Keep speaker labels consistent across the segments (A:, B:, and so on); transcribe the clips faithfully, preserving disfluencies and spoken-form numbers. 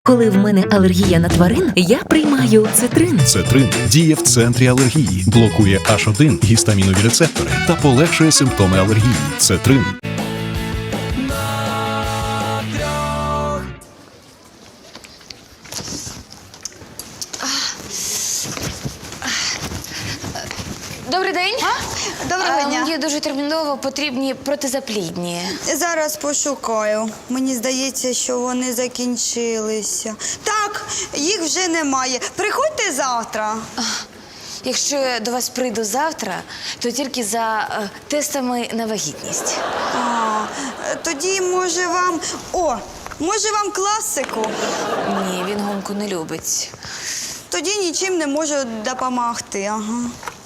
A: Коли в мене алергія на тварин, я приймаю цитрин.
B: Цетрин діє в центрі алергії, блокує аш один гістамінові рецептори та полегшує симптоми алергії. Цетрин.
C: Добрий день.
D: Доброго
C: А,
D: дня.
C: Мені дуже терміново потрібні протизаплідні.
D: Зараз пошукаю. Мені здається, що вони закінчилися. Так, їх вже немає. Приходьте завтра.
C: Якщо я до вас прийду завтра, то тільки за е, тестами на вагітність.
D: А, тоді, може, вам. О, може, вам класику?
C: Ні, він гонку не любить.
D: Тоді нічим не можу допомогти. Ага.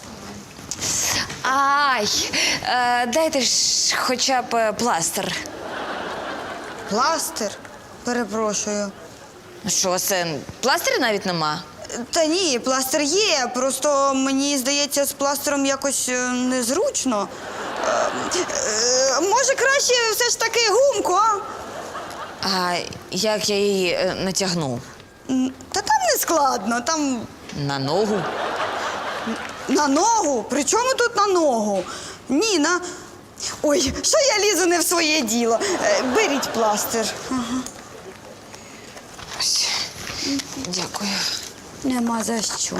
C: Ай, е, дайте ж хоча б е, пластир.
D: Пластир? Перепрошую.
C: Що, це пластиря навіть нема?
D: Та ні, пластир є. Просто мені здається, з пластиром якось е, незручно. Е, е, може, краще все ж таки гумку, а?
C: А як я її е, натягну?
D: М, Та там не складно, там
C: На ногу?
D: на ногу. При чому тут на ногу? Ні, на. Ой, що я лізу не в своє діло. Е, Беріть пластир. Ага.
C: Ось. Дякую.
D: Нема за що.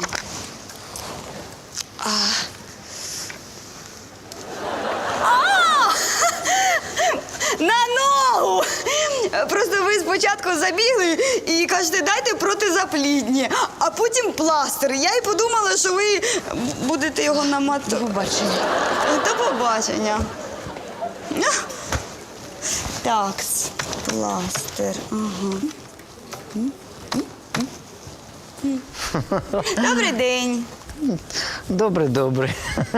D: А! На ногу! Просто ви спочатку забігли і кажете, дайте протизаплідні, а потім пластир. Я й подумала, що ви будете його
C: До
D: наматувати.
C: побачення.
D: До побачення. Так, пластир. Ага. Добрий день.
E: Добре, добре.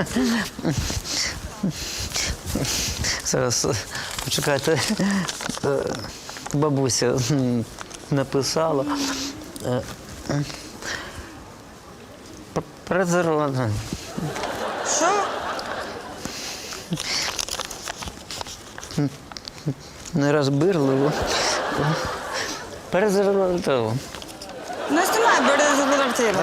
E: Зараз почекайте. Е, Бабуся м, написала. Е, м, п- Презерватив.
D: Що?
E: Нерозбирливо. Презерватив.
D: У нас немає презервативу.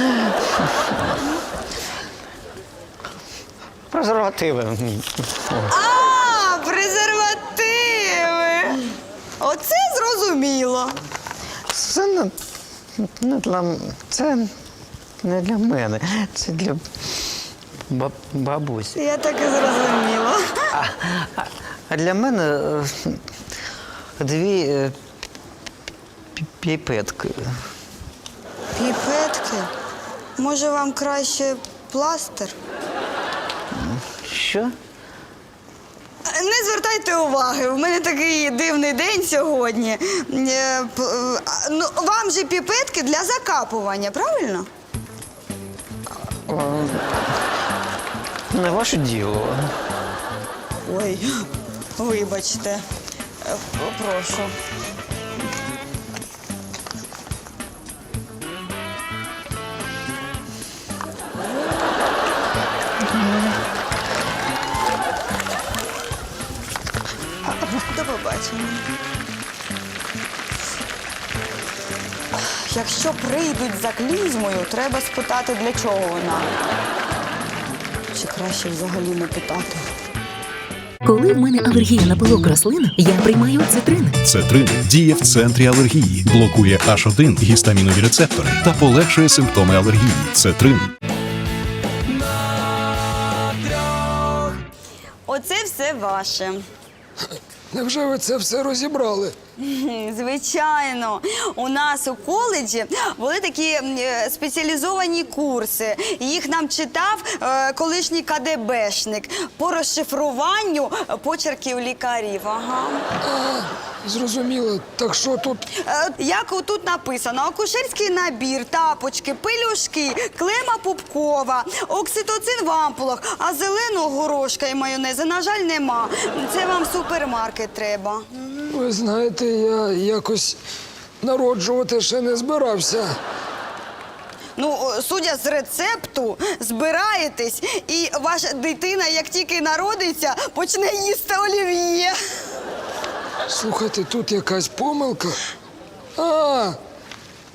E: Презервативи.
D: А, презервативи. Оце зрозуміло.
E: Це не, не для, м- це не для мене, це для баб, бабусі.
D: Я так і зрозуміла.
E: А, а, а для мене е, дві е, пі- піпетки.
D: Піпетки? Може, вам краще пластир?
E: Що?
D: Не звертайте уваги, у мене такий дивний день сьогодні. Е, п- е, а, Ну, вам же піпетки для закапування, правильно?
E: Не ваше діло.
D: Ой, вибачте. Е, Прошу. До побачення. Якщо прийдуть за клізмою, треба спитати, для чого вона. Чи краще взагалі не питати.
A: Коли в мене алергія на пилок рослин, я приймаю цитрин.
B: Цетрин діє в центрі алергії, блокує аш один гістамінові рецептори та полегшує симптоми алергії. Цетрин.
D: Оце все ваше.
F: Невже ви це все розібрали?
D: Хм, Звичайно, у нас у коледжі були такі е, спеціалізовані курси. Їх нам читав е, колишній КДБшник по розшифруванню почерків лікарів. Ага.
F: Зрозуміло. Так що тут?
D: Е, Як отут написано: акушерський набір, тапочки, пелюшки, клема пупкова, окситоцин в ампулах, а зеленого горошка і майонези, на жаль, нема. Це вам в супермаркет треба.
F: Ви знаєте, я якось народжувати ще не збирався.
D: Ну, о, судя з рецепту, збираєтесь, і ваша дитина, як тільки народиться, почне їсти олів'є.
F: Слухайте, тут якась помилка. А,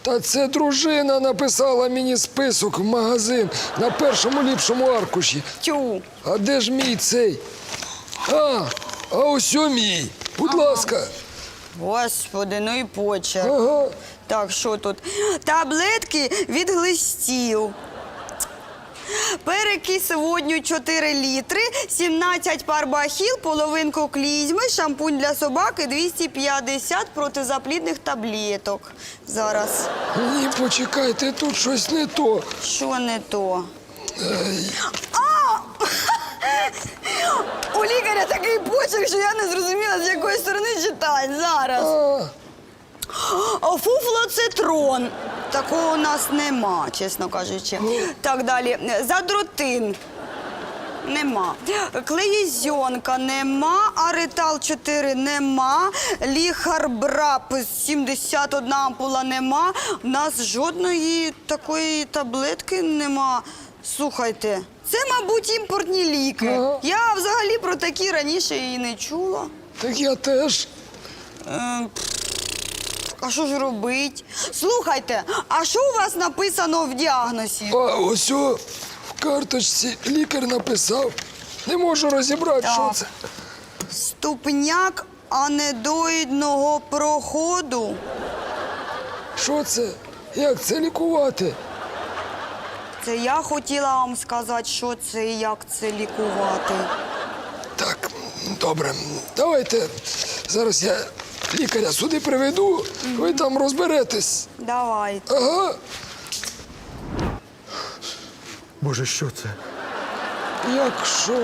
F: Та це дружина написала мені список в магазин на першому ліпшому аркуші.
D: Тю.
F: А де ж мій цей? А, а ось о мій. Будь ласка.
D: Господи, ну і почерк.
F: Ага.
D: Так, що тут? Таблетки від глистів. Перекис водню чотири літри, сімнадцять пар бахіл, половинку клізми, шампунь для собаки, двісті п'ятдесят протизаплідних таблеток. Зараз.
F: Ні, почекайте, тут щось не то.
D: Що не то? А! У лікаря такий почерк, що я не зрозуміла, з якої сторони читати. Зараз.
F: А,
D: Фуфлоцитрон. Такого у нас нема, чесно кажучи. Так, далі. Задротин. Нема. Клеїзьонка нема, аритал чотири нема, ліхарбрап сімдесят одна ампула нема. У нас жодної такої таблетки нема. Слухайте, це, мабуть, імпортні ліки.
F: Ага.
D: Я взагалі про такі раніше і не чула.
F: так я теж.
D: Е, А що ж робить? Слухайте, а що у вас написано в діагнозі?
F: А ось о, в карточці лікар написав. Не можу розібрати, що
D: Так.
F: це.
D: Ступняк анедоїдного проходу.
F: Що це? Як це лікувати?
D: Це я хотіла вам сказати, що це і як це лікувати.
F: Так, добре. Давайте зараз я лікаря сюди приведу, ви там розберетесь.
D: Давайте.
F: Ага.
G: Боже, що це?
F: Як що?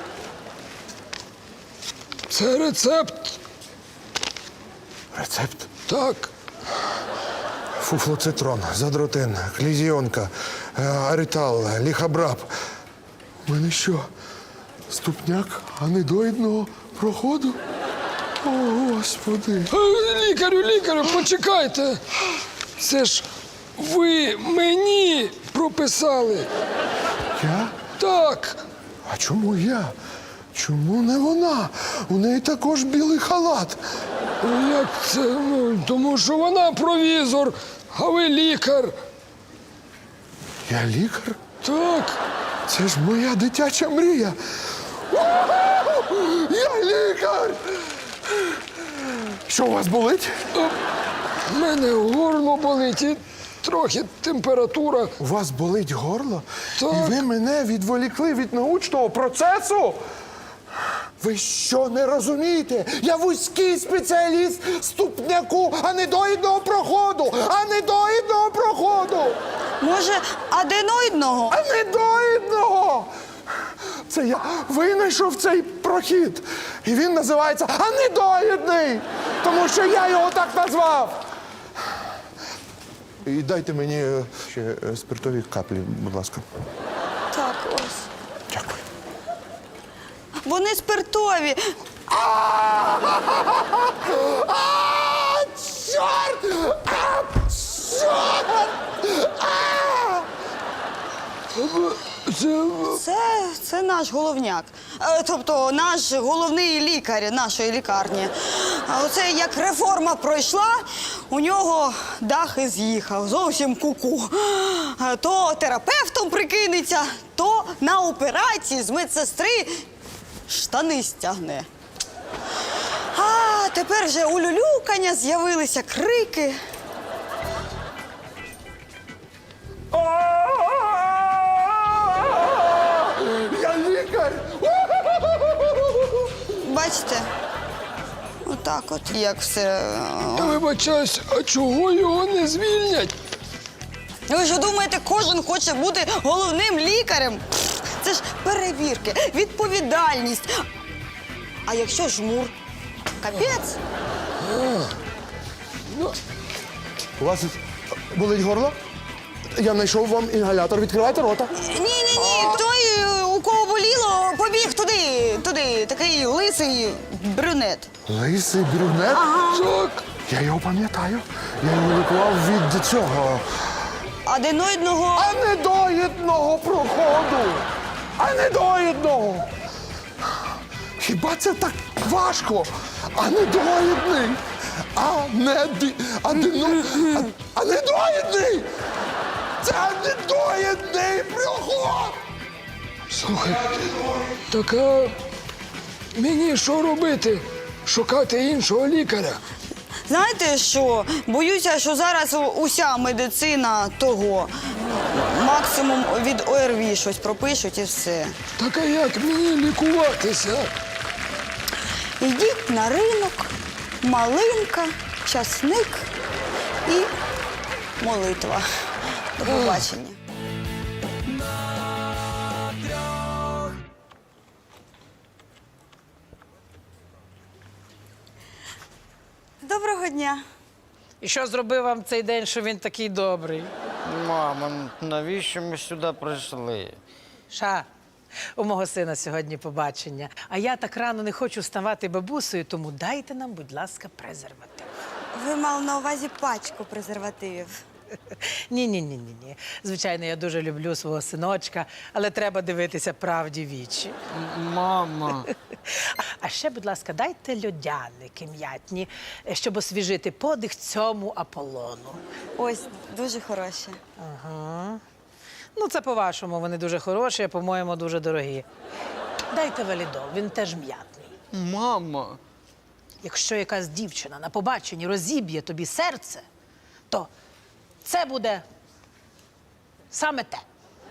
F: Це рецепт.
G: Рецепт?
F: Так.
G: Фуфлоцитрон, задротин, клізіонка, е, аритал, ліхабрап. У мене що? Ступняк анедоїдного проходу? О, Господи.
F: Е, Лікарю, лікарю, почекайте. Це ж ви мені прописали.
G: Я?
F: Так.
G: А чому я? Чому не вона? У неї також білий халат.
F: Ну, як це? Ну, тому що вона провізор, а ви лікар.
G: Я лікар?
F: Так.
G: Це ж моя дитяча мрія. У-ху! Я лікар! Що у вас болить?
F: У мене горло болить і трохи температура.
G: У вас болить горло?
F: Так.
G: І ви мене відволікли від научного процесу? Ви що не розумієте? Я вузький спеціаліст ступняку анедоїдного проходу! Анедоїдного проходу!
D: Може, аденоїдного?
G: Анедоїдного! Це я винайшов цей прохід. І він називається анедоїдний, тому що я його так назвав. І дайте мені е, ще е, спиртові каплі, будь ласка.
D: Так, ось.
G: Дякую.
D: Вони спиртові.
G: А, чорт! А, чорт! А!
F: Це
D: Це, це наш головняк. Е, Тобто наш головний лікар нашої лікарні. А оце як реформа пройшла, у нього дах і з'їхав. Зовсім куку. Е, То терапевтом прикинеться, то на операції з медсестри штани стягне. А тепер вже улюлюкання, з'явилися крики.
G: Я лікар!
D: Бачите? Отак от, як все.
F: я вибачаюсь, а чого його не звільнять?
D: Ви ж думаєте, кожен хоче бути головним лікарем? Пф, це ж перевірки, відповідальність. А якщо жмур? Капець.
G: У вас болить горло? Я знайшов вам інгалятор. Відкривайте рота.
D: Ні-ні-ні, той, е, у кого боліло, побіг туди, туди, такий лисий брюнет.
G: Лисий брюнет?
F: Так.
G: Я його пам'ятаю. Я його лікував від цього
D: Аденоїдного.
G: анедоїдного проходу. Анедоїдного. Хіба це так важко? Анедоїдний. Анеди... Адено... а- А недоїдний! Це недоїдний приход!
F: Слухай, так а мені що робити? Шукати іншого лікаря?
D: Знаєте що? Боюся, що зараз у- уся медицина того. Максимум від О Р В щось пропишуть і все.
F: Так а як мені лікуватися?
D: Йдіть на ринок, малинка, часник і молитва. До побачення. Доброго дня.
H: І що зробив вам цей день, що він такий добрий?
E: Мамо, навіщо ми сюди прийшли?
H: Ша, у мого сина сьогодні побачення. А я так рано не хочу ставати бабусею, тому дайте нам, будь ласка, презерватив.
D: Ви мали на увазі пачку презервативів.
H: Ні-ні-ні-ні. Звичайно, я дуже люблю свого синочка, але треба дивитися правді в вічі.
E: Мама.
H: А ще, будь ласка, дайте льодяники м'ятні, щоб освіжити подих цьому Аполлону.
D: Ось, дуже хороші.
H: Ага. Ну, це по-вашому, вони дуже хороші, а по-моєму, дуже дорогі. Дайте валідол, він теж м'ятний.
E: Мама.
H: Якщо якась дівчина на побаченні розіб'є тобі серце, то це буде саме те.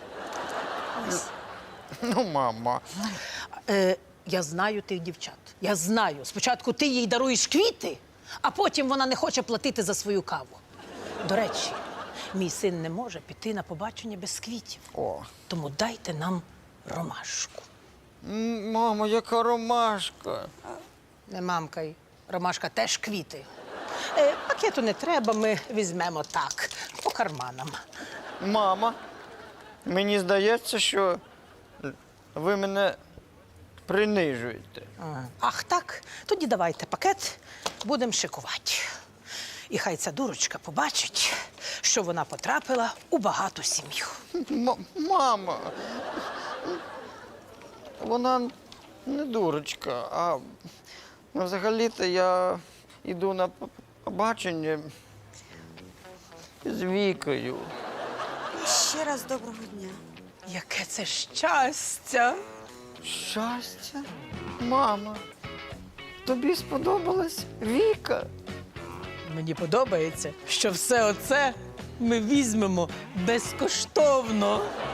E: Ну, мама.
H: Е, я знаю тих дівчат. Я знаю. Спочатку ти їй даруєш квіти, а потім вона не хоче платити за свою каву. До речі, мій син не може піти на побачення без квітів.
E: О.
H: Тому дайте нам ромашку.
E: М, Мамо, яка ромашка.
H: Не мамкай. Ромашка теж квіти. Е, пакету не треба, ми візьмемо так, по карманам.
E: Мама, мені здається, що ви мене принижуєте.
H: Ага. Ах так? Тоді давайте пакет, будемо шикувати. І хай ця дурочка побачить, що вона потрапила у багату сім'ю.
E: М- мама. Вона не дурочка, а взагалі-то я йду на п- побачення з Вікою.
D: Ще раз доброго дня.
H: Яке це щастя!
E: Щастя? Мама, тобі сподобалась Віка?
H: Мені подобається, що все оце ми візьмемо безкоштовно.